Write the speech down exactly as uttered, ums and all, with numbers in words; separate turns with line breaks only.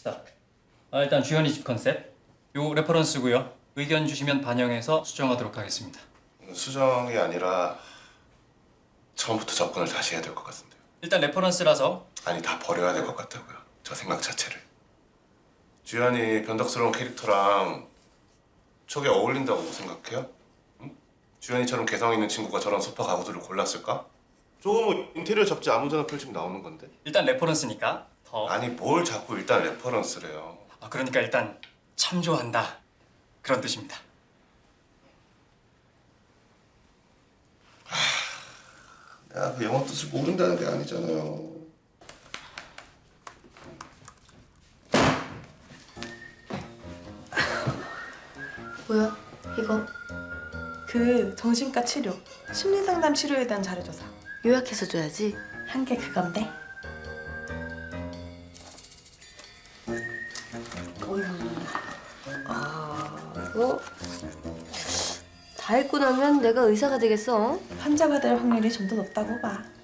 스탑. 아, 일단 주현이 집 컨셉. 요 레퍼런스고요. 의견 주시면 반영해서 수정하도록 하겠습니다.
수정이 아니라 처음부터 접근을 다시 해야 될 것 같은데요.
일단 레퍼런스라서
아니 다 버려야 될 것 같다고요. 저 생각 자체를. 주연이 변덕스러운 캐릭터랑 저게 어울린다고 생각해요? 응? 주연이처럼 개성 있는 친구가 저런 소파 가구들을 골랐을까? 저거 뭐 인테리어 잡지 아무데나 펼치면 나오는 건데.
일단 레퍼런스니까 더.
아니 뭘 자꾸 일단 레퍼런스래요.
아, 그러니까 일단 참조한다. 그런 뜻입니다.
내가 그 영어 뜻을 모른다는 게 아니잖아요.
뭐야? 이거
그 정신과 치료, 심리상담 치료에 대한 자료조사.
요약해서 줘야지.
한 게 그건데.
어휴. 아, 이거 다 읽고 나면 내가 의사가 되겠어.
환자가 될 확률이 좀 더 높다고 봐.